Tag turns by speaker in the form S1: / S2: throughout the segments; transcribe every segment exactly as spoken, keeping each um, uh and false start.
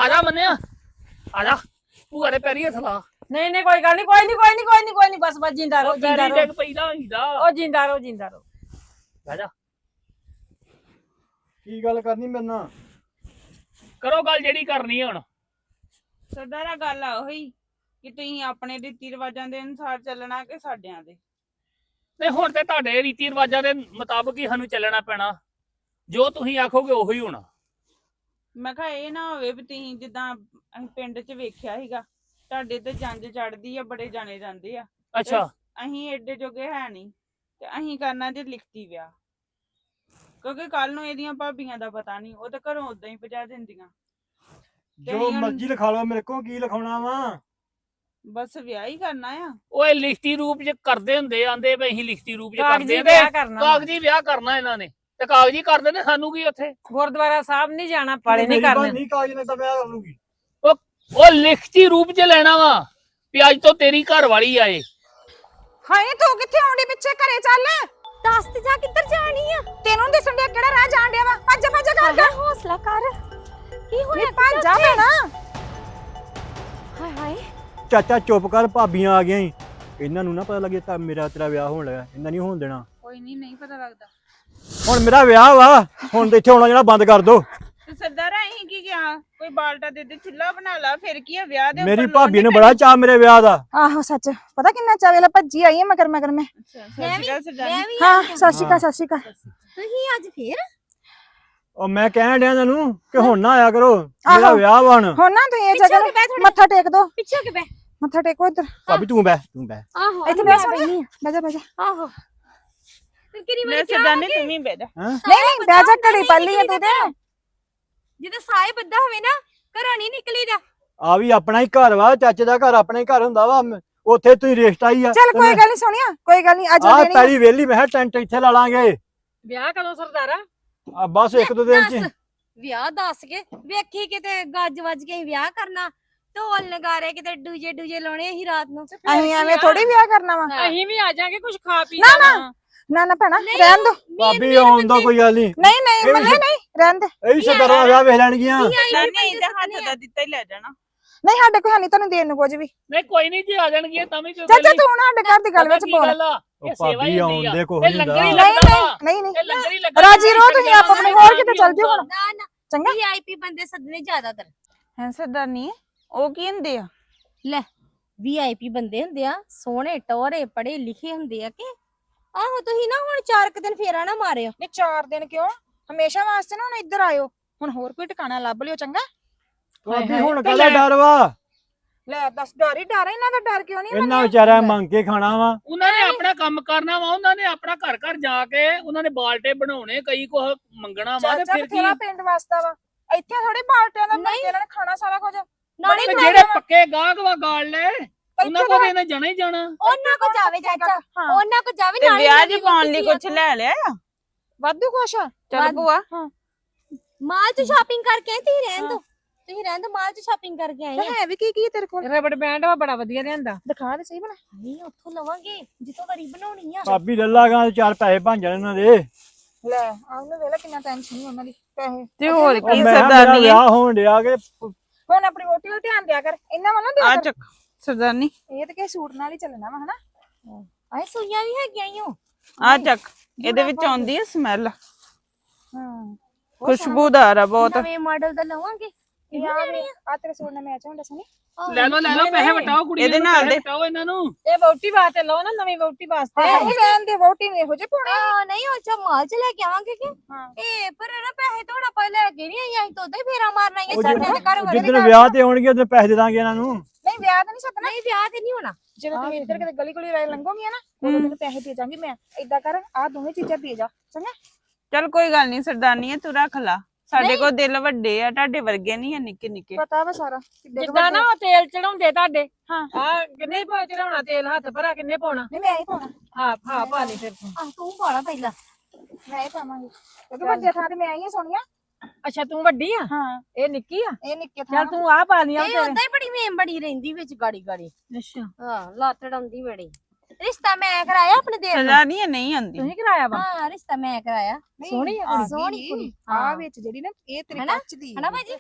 S1: आजा मन्ने आजा भूआ दे पैरी हथ ला
S2: नहीं नहीं कोई गल नहीं कोई नहीं कोई नहीं कोई नहीं कोई नहीं बस बस जिंदा रहो जिंदा
S1: पैरी
S2: रहो
S1: डिग पईदा होईदा
S2: ओ जिंदा रहो जिंदा रहो
S1: बह जा
S3: की गल करनी मेरे नाल
S1: करो गल जेड़ी करनी है हुण
S4: ਸਰਦਾਰਾ ਗੱਲ ਆ ਉਹੀ ਕਿ ਤੁਸੀਂ ਆਪਣੇ ਰੀਤੀ ਰਿਵਾਜਾਂ ਦੇ ਅਨੁਸਾਰ ਚੱਲਣਾ ਕਿ ਸਾਡਿਆਂ ਦੇ
S1: नहीं हुण ते तुहाडे रीति रिवाजां दे मुताबिक ही सानू चलना पैना जो तुसीं आखोगे ओही होना
S4: ਮੈਂ ਕਿਹਾ ਇਹ ਨਾ ਹੋਵੇ ਵੀ ਤੁਸੀਂ ਜਿੱਦਾਂ ਅਸੀਂ ਪਿੰਡ 'ਚ ਵੇਖਿਆ ਸੀਗਾ ਤੁਹਾਡੇ ਤੇ ਜੰਜ ਚੜਦੀ ਆ ਬੜੇ ਜਾਣੇ ਜਾਂਦੇ ਆ
S1: अच्छा
S4: ਅਸੀਂ ਏਡੇ ਜੋਗੇ ਹੈ ਨਹੀਂ ਤੇ ਅਸੀਂ ਕਰਨਾ ਜੇ ਲਿਖਤੀ ਵਿਆਹ ਕਿਉਂਕਿ ਕੱਲ ਨੂੰ ਇਹਦੀਆਂ ਭਾਬੀਆਂ ਦਾ ਪਤਾ ਨਹੀਂ ਉਹ ਤਾਂ ਘਰੋਂ ਉਦਾਂ ਹੀ ਭਜਾ ਦਿੰਦੀਆਂ
S3: जो मर्जी लिखा लो मेरे को की लिखाउणा वा
S4: ਬਸ ਵਿਆਹ ਹੀ ਕਰਨਾ ਆ
S1: ओए लिखती रूप च करदे हुंदे आंदे वे असीं लिखती रूप च
S2: कागजी
S1: करदे
S2: ब्याह करना
S1: कागजी ब्याह करना इन्हां ने ते कागजी कर देने सानू की उत्थे
S2: गुरुद्वारा साहब नहीं जाना पड़े नहीं करने
S3: नहीं कागज ने तो ब्याह करूंगी
S1: ओ लिखती रूप च लेना वा भी अज तो तेरी घर वाली आए
S5: ਹਾਏ ਤੂੰ ਕਿੱਥੇ ਆਉਂਦੀ ਪਿੱਛੇ ਘਰੇ ਚੱਲ
S6: ਦੱਸ ਤੇ ਜਾ ਕਿੱਧਰ ਜਾਣੀ ਆ
S5: ਤੈਨੂੰ ਦਿਸਣ ਡਿਆ ਕਿਹੜਾ ਰਾਹ ਜਾਣ ਡਿਆ ਵਾ ਭੱਜ ਭੱਜ ਕਰ
S6: ਹਾਏ ਹੌਸਲਾ ਕਰ ਕੀ ਹੋਇਆ
S5: ਭੱਜ ਜਾ ਭੈਣਾ
S6: ਹਾਏ ਹਾਏ
S3: ਚਾਚਾ ਚੁੱਪ ਕਰ ਭਾਬੀਆਂ ਆ ਗਈਆਂ ਈ ਇਹਨਾਂ ਨੂੰ ਨਾ ਪਤਾ ਲੱਗੇ ਤਾਂ ਮੇਰਾ ਤੇਰਾ ਵਿਆਹ ਹੋਣ ਲੱਗਾ ਇਹਨਾਂ ਨਹੀਂ ਹੋਣ ਦੇਣਾ
S4: ਕੋਈ ਨਹੀਂ ਨਹੀਂ ਪਤਾ ਲੱਗਦਾ
S3: ਹੁਣ ਮੇਰਾ ਵਿਆਹ ਵਾ ਹੁਣ ਤੇ ਇੱਥੇ ਆਉਣਾ ਜਿਹੜਾ ਬੰਦ ਕਰ ਦੋ
S4: ਤੇ ਸਰਦਾਰਾ ਅਸੀਂ ਕੀ ਕਿਹਾ ਕੋਈ ਬਾਲਟਾ ਦੇ ਦੇ ਚੁੱਲ੍ਹਾ ਬਣਾ ਲਾ ਫਿਰ ਕੀ ਆ ਵਿਆਹ ਦੇ
S3: ਮੇਰੀ ਭਾਬੀ ਨੂੰ ਬੜਾ ਚਾਅ ਮੇਰੇ ਵਿਆਹ ਦਾ
S5: ਆਹੋ ਸੱਚ ਪਤਾ ਕਿੰਨਾ ਚਾਵੇ ਲਾ ਭੱਜੀ ਆਈ ਹੈ ਮਗਰ ਮਗਰ ਮੈਂ
S6: ਮੈਂ ਵੀ ਮੈਂ ਵੀ
S5: ਹਾਂ ਸਤਿ ਸ਼੍ਰੀ ਅਕਾਲ ਸਤਿ ਸ਼੍ਰੀ ਅਕਾਲ
S6: ਤੁਸੀਂ ਅੱਜ ਫੇਰ
S3: ਉਹ ਮੈਂ ਕਹਿਣ ਡਿਆ ਤੁਹਾਨੂੰ ਕਿ ਹੁਣ ਨਾ ਆਇਆ ਕਰੋ ਮੇਰਾ ਵਿਆਹ ਵਾ ਹੁਣ
S5: ਹੁਣ ਨਾ ਤੁਸੀਂ ਇਹ ਜਗ੍ਹਾ ਨੂੰ ਮੱਥਾ ਟੇਕ ਦੋ
S6: ਪਿੱਛੇ ਹੋ ਕੇ ਬੈ
S5: ਮੱਥਾ ਟੇਕੋ ਇੱਧਰ
S3: ਭਾਬੀ ਤੂੰ ਬਹਿ ਤੂੰ ਬਹਿ
S6: ਆਹੋ
S5: ਇੱਥੇ ਬੈਠ ਸੋਣੀ ਬਹਿ ਜਾ ਬਹਿ ਜਾ
S6: ਆਹੋ ਤੇ ਕਿਰੀ
S4: ਲੈ
S6: ਮੈਂ
S4: ਸਰਦਾਰਨੀ ਤੂੰ ਵੀ ਬਹਿ ਜਾ
S3: ਹੈਂ
S5: ਨਹੀਂ ਨਹੀਂ ਬਹਿ ਜਾ ਘੜੀ ਪੱਲੀ ਹੈ ਤੂੰ ਤੇ
S6: ਜਿੱਦਾਂ ਸਾਏ ਬੱਦਾ ਹੋਵੇ ਨਾ ਘਰੋਂ ਨਹੀਂ ਨਿਕਲੀਦਾ
S3: ਆ ਵੀ ਆਪਣਾ ਹੀ ਘਰ ਵਾ ਚਾਚੇ ਦਾ ਘਰ ਆਪਣਾ ਹੀ ਘਰ ਹੁੰਦਾ ਵਾ ਉੱਥੇ ਤੁਸੀਂ ਰਿਸ਼ਤਾ ਹੀ ਆ
S5: ਚੱਲ ਕੋਈ ਗੱਲ ਨਹੀਂ ਸੋਣੀਆ ਕੋਈ ਗੱਲ ਨਹੀਂ ਅੱਜ
S3: ਆ
S5: ਦੇਣੀ
S3: ਪਹਿਲੀ ਵੇਲੀ ਮੈਂ ਕਿਹਾ ਟੈਂਟ ਇੱਥੇ ਲਾ ਲਾਂਗੇ
S2: ਵਿਆਹ ਕਦੋਂ ਸਰਦਾਰਾ
S3: ਆ ਬਸ ਇੱਕ ਦੋ ਦਿਨ ਚ
S6: ਵਿਆਹ ਦੱਸ ਕੇ ਵੇਖੀ ਕਿਤੇ ਗੱਜ ਵੱਜ ਕੇ ਵਿਆਹ ਕਰਨਾ ਢੋਲ ਨਗਾਰੇ ਕਿਤੇ ਡੂਜੇ ਡੂਜੇ ਲਾਉਣੇ ਅਸੀਂ ਰਾਤ ਨੂੰ
S5: ਅਸੀਂ ਐਵੇਂ ਥੋੜੀ ਵਿਆਹ ਕਰਨਾ ਵਾ
S2: ਅਸੀਂ ਵੀ ਆ ਜਾਾਂਗੇ ਕੁਝ ਖਾ ਪੀ
S5: ਨਾ ਨਾ ਨਾ ਨਾ ਭੈਣਾ ਰਹਿਣ ਦੋ
S3: ਭਾਬੀ ਆਉਣ ਦਾ ਕੋਈ ਗੱਲ ਨਹੀਂ
S5: ਨਹੀਂ ਨਹੀਂ ਮੱਲੇ ਨਹੀਂ ਰਹਿਣ ਦੇ
S3: ਇਹੀ ਸਰਦਾਰਾਂ ਦਾ ਵਿਆਹ ਵੇਖ ਲੈਣਗੀਆਂ
S4: ਸਰਦਾਰਨੀ ਇਹਦੇ ਹੱਥ ਦਾ ਦਿੱਤਾ ਹੀ ਲੈ ਜਾਣਾ
S5: ਨਹੀਂ ਸਾਡੇ ਕੋਈ ਨਹੀਂ ਤੁਹਾਨੂੰ ਦੇਣ ਨੂੰ ਕੁਝ ਵੀ
S1: नहीं कोई नहीं जी आ जाणगी तां भी कोई
S5: ਚਾਚਾ ਤੂੰ ਨਾ ਸਾਡੇ ਘਰ ਦੀ ਗੱਲ ਵਿੱਚ ਬੋਲ
S3: ਉਹ ਭਾਬੀ ਆਉਣ ਦੇ ਕੋਈ
S1: ਇਹ
S3: ਹੁੰਦਾ
S1: ਲੰਗਰ ਹੀ
S5: ਨਹੀਂ
S1: ਲੱਗਦਾ
S5: ਨਹੀਂ ਨਹੀਂ
S1: ਇਹ ਲੰਗਰ ਹੀ ਲੱਗਦਾ
S5: ਰਾਜੀ ਰੋ ਤੁਸੀਂ ਆਪ ਆਪਣੇ ਹੋਰ ਕਿਤੇ ਚੱਲ ਜਿਓ ਹੁਣ
S6: ਨਾ ਨਾ
S5: ਚੰਗਾ
S6: ਵੀਆਈਪੀ ਬੰਦੇ ਸੱਦਣੇ ਜ਼ਿਆਦਾਤਰ
S4: ਹੈ ਸਰਦਾਰਨੀ ਉਹ ਕੀ ਹੁੰਦੇ ਆ
S6: ਲੈ ਵੀਆਈਪੀ ਬੰਦੇ ਹੁੰਦੇ ਆ ਸੋਹਣੇ ਟੋਰੇ ਪੜੇ ਲਿਖੇ ਹੁੰਦੇ ਆ ਕਿ ਆਹੋ ਤੁਸੀਂ ਨਾ ਹੁਣ ਚਾਰ ਕੁ ਦਿਨ ਫੇਰਾ ਨਾ ਮਾਰਿਓ
S5: ਨਹੀਂ ਚਾਰ ਦਿਨ ਕਿਉਂ ਹਮੇਸ਼ਾ ਵਾਸਤੇ ਨਾ ਹੁਣ ਇੱਧਰ ਆਇਓ ਹੁਣ ਹੋਰ ਕੋਈ ਟਿਕਾਣਾ ਲੱਭ ਲਿਓ ਚੰਗਾ
S3: ਭਾਬੀ ਹੁਣ ਕਾਹਦਾ ਡਰ ਵਾ
S5: ਲੈ ਦੱਸ ਡਰ ਹੀ ਡਰ ਇਹਨਾਂ ਦਾ ਡਰ ਕਿਉਂ ਨਹੀਂ
S3: ਇਹਨਾਂ ਵਿਚਾਰਾ ਮੰਗ ਕੇ ਖਾਣਾ ਵਾ
S1: ਉਹਨਾਂ ਨੇ ਆਪਣਾ ਕੰਮ ਕਰਨਾ ਵਾ ਉਹਨਾਂ ਨੇ ਆਪਣਾ ਘਰ ਘਰ ਜਾ ਕੇ ਉਹਨਾਂ ਨੇ ਬਾਲਟੇ ਬਣਾਉਣੇ ਕਈ ਕੁਝ ਮੰਗਣਾ ਵਾ ਤੇ
S5: ਚਾਚਾ
S1: ਫਿਰ ਕੀ
S5: ਬਥੇਰਾ ਪਿੰਡ ਵਾਸਤਾ ਵਾ ਇੱਥੇ ਥੋੜੀ ਬਾਲਟਿਆਂ ਦਾ ਮੰਗੇ ਇਹਨਾਂ ਨੇ ਖਾਣਾ ਸਾਰਾ ਕੁਝ
S6: ਨਾਲੇ
S1: ਤੇ ਜਿਹੜੇ ਪੱਕੇ ਗਾਹਕ ਵਾ ਗਾਲ ਲੈ ਉਹਨਾਂ ਕੋਲ ਇਹਨਾਂ ਜਾਣਾ ਹੀ ਜਾਣਾ
S6: ਉਹਨਾਂ ਕੋ ਜਾਵੇ ਚਾਚਾ ਉਹਨਾਂ ਕੋ ਜਾਵੇ
S4: ਤੇ
S6: ਨਾਲੇ
S4: ਵਿਆਹ
S6: ਨਾਲੇ
S4: ਜੀ ਪਾਉਣ ਲਈ ਕੁਝ ਲੈ ਲਿਆ ਆ
S5: ਵਾਧੂ ਕੁਛ ਆ
S4: ਚੱਲ ਭੂਆ
S6: ਮਾਲ ਚ ਸ਼ਾਪਿੰਗ ਕਰਕੇ ਆਏ ਤੁਸੀਂ ਰਹਿਣ ਦੋ ਤੁਸੀਂ ਰਹਿਣ ਦੋ ਮਾਲ ਚ ਸ਼ਾਪਿੰਗ ਕਰਕੇ ਆਏ ਆ
S5: ਹੈ ਵੀ ਕੀ ਕੀ ਤੇਰੇ ਕੋਲ
S2: ਰਬੜ ਬੈਂਡ ਵਾ ਬੜਾ ਵਧੀਆ ਲਿਆਂਦਾ
S5: ਦਿਖਾ ਦੇ ਸਹੀ ਬਣਾ
S6: ਨਹੀਂ ਉੱਥੋਂ ਲਵਾਂਗੇ ਜਿੱਥੋਂ ਵਾਰੀ ਬਣਾਉਣੀ ਆ
S3: ਭਾਬੀ ਲੱਲਾਗਾ ਚਾਰ ਪੈਸੇ ਬਣ ਜਾਣ ਇਹਨਾਂ ਦੇ
S5: ਲੈ ਆ ਉਹਨੂੰ ਵੇਲਾ ਕਿੰਨਾ ਟੈਨਸ਼ਨ ਨਹੀਂ ਉਹਨਾਂ ਦੀ ਪੈਸੇ
S4: ਤੇ ਹੋਰ
S3: ਉਹ
S4: ਕੀ
S3: ਮੈਂ ਕਿਹਾ ਮੇਰਾ
S4: ਸਰਦਾਰਨੀ
S3: ਵਿਆਹ ਹੋਣ ਡਿਆ ਕਿ
S5: ਹੁਣ ਆਪਣੀ ਵੋਟੀ ਵੱਲ ਧਿਆਨ ਦਿਆ ਕਰ ਇਹਨਾਂ ਵੱਲ ਨਾ ਦਿਆ
S4: ਆ
S5: ਕਰ
S4: ਚੱਕ ਸਰਦਾਰਨੀ
S5: ਇਹ ਤਾਂ ਕਿਸੇ ਸੂਟ ਨਾਲ ਹੀ ਚੱਲਣਾ ਵਾ ਹਨਾ
S6: ਆਏ ਸੂਈਆਂ ਵੀ ਹੈਗੀਆਂ ਈ ਓ
S4: ਆ ਚੱਕ ਇਹਦੇ ਵਿੱਚ ਆਉਂਦੀ ਹੈ ਸਮੈਲ
S5: ਹਾਂ
S4: ਖੁਸ਼ਬੂਦਾਰ ਆ ਬਹੁਤ
S6: ਨਵੇਂ ਮਾਡਲ ਦਾ ਲਵਾਂਗੇ
S5: ਇਹ ਆ ਵੀ ਆ ਤੇਰੇ ਸੂਟ ਨਾਲ ਮੈਚ ਹੁੰਦਾ ਸੋਨੀ
S1: ਲੈ ਲਓ ਲੈ ਲਓ ਪੈਸੇ ਵਟਾਓ ਕੁੜੀ
S4: ਇਹਦੇ
S1: ਨੂੰ
S4: ਨਾਲ
S1: ਪੈਸੇ
S4: ਦੇ।
S1: ਵਟਾਓ ਇਹਨਾਂ ਨੂੰ
S2: ਇਹ ਵੋਟੀ ਵਾਸਤੇ ਲਓ ਨਾ ਨਵੀਂ ਵੋਟੀ ਵਾਸਤੇ
S5: ਨਹੀਂ ਲੈਣ ਦੇ ਵੋਟੀ ਨੇ ਇਹੋ ਜਿਹੇ ਪਾਉਣੇ
S6: ਆ ਨਹੀਂ ਉਹ ਚਾ ਮਾਲ ਚ ਲੈ ਕੇ ਆਵਾਂਗੇ ਕਿ
S5: ਹਾਂ
S6: ਇਹ ਪਰ ਨਾ ਪੈਸੇ ਥੋੜਾ ਪਾ ਲੈ ਕੇ ਨਹੀਂ ਆਈ ਅਸੀਂ ਤਾਂ ਉਦਾਂ ਹੀ ਫੇਰਾ ਮਾਰਨਾ ਹੀ
S3: ਉਹ
S6: ਸਾਡੇ ਦੇ ਘਰ ਵਾਲੇ
S3: ਜਿੱਦਣ ਵਿਆਹ ਤੇ ਹੋਣਗੇ ਉਦੋਂ ਪੈਸੇ ਦੇ ਦਾਂਗੇ ਇਹਨਾਂ ਨੂੰ
S5: ਨਹੀਂ ਵਿਆਹ ਤਾਂ ਨਹੀਂ ਸੱਦਣਾ
S6: ਨਹੀਂ ਵਿਆਹ ਤੇ ਨਹੀਂ ਹੋਣਾ
S5: ਜਦੋਂ ਤੁਸੀਂ ਇੱਧਰ ਕਿਤੇ ਗਲੀ ਗਲੀ ਰਾਏ ਲੰਘੋਗੀਆਂ ਨਾ ਉਦੋਂ ਮੈਨੂੰ ਪੈਸੇ ਦੇ ਜਾਵਾਂਗੀ ਮੈਂ ਏਦਾਂ ਕਰ ਆ ਦੋਵੇਂ ਚੀਜ਼ਾਂ ਦੇ ਜਾ ਚੰਗਾ
S4: ਚੱਲ ਕੋਈ ਗੱਲ ਨਹੀਂ ਸਰਦਾਰਨੀ ਤੂੰ ਰੱਖ ਲਾ ਸਾਡੇ ਕੋਲ ਦਿਲ ਵੱਡੇ ਆ ਤੁਹਾਡੇ ਵਰਗੇ ਨਹੀਂ ਆ ਨਿੱਕੇ ਨਿੱਕੇ
S5: ਪਤਾ ਵਾ ਸਾਰਾ ਕਿੱਡੇ ਕੁ
S2: ਜਿੱਦਾਂ ਨਾ
S5: ਵੱਡੇ।
S2: ਉਹ ਤੇਲ ਚੜਾਉਂਦੇ ਤੁਹਾਡੇ
S5: ਹਾਂ
S2: ਆ ਕਿੰਨੇ ਪਾ ਚੜਾਉਣਾ ਤੇਲ ਹੱਥ ਭਰਾ ਕਿੰਨੇ ਪਾਉਣਾ
S5: ਨਹੀਂ ਮੈਂ ਹੀ ਪਾਉਣਾ
S2: ਹਾਂ ਹਾਂ ਪਾ ਲਈ ਫਿਰ ਤੂੰ।
S6: ਆ ਤੂੰ ਪਾਲਾ ਪਹਿਲਾਂ
S5: ਮੈਂ ਹੀ ਪਾਵਾਂਗੀ ਕਿਉਂਕਿ ਵੱਡੇ ਥਾਂ ਤੇ ਮੈਂ ਆਈ ਹਾਂ ਸੋਨੀਆ
S2: ਅੱਛਾ ਤੂੰ ਵੱਡੀ ਆ
S5: ਹਾਂ
S2: ਇਹ ਨਿੱਕੀ ਆ
S5: ਇਹ ਨਿੱਕੇ ਥਾਂ
S2: ਚੱਲ ਤੂੰ ਆ ਪਾ ਲਈ ਆ
S6: ਇਹ ਉਦਾਂ ਹੀ ਬੜੀ ਮੇਮ ਬੜੀ ਰਹਿੰਦੀ ਵਿੱਚ ਗਾੜੀ ਗਾੜੀ
S2: ਅੱਛਾ
S6: ਹਾਂ ਲੱਤ ਡਾਉਂਦੀ ਬੜੀ ਰਿਸ਼ਤਾ ਮੈਂ ਕਰਾਇਆ ਆਪਣੇ ਦੇਰ ਨਾਲ
S4: ਸਰਦਾਰਨੀ ਨਹੀਂ ਆਉਂਦੀ
S2: ਤੁਸੀਂ ਕਰਾਇਆ ਵਾ
S6: ਹਾਂ ਰਿਸ਼ਤਾ ਮੈਂ ਕਰਾਇਆ
S5: ਨਹੀਂ,
S2: ਸੋਹਣੀ ਆ
S5: ਆ
S6: ਸੋਹਣੀ
S5: ਗਈ।
S6: ਕੁੜੀ।
S5: ਆ
S6: ਹਾਂ।
S5: ਵਿੱਚ ਜਿਹੜੀ ਨਾ ਇਹ ਤੇਰੇ
S6: ਹਨਾ?
S5: ਕੱਚ ਦੀ
S6: ਹਨਾ ਭਾਜੀ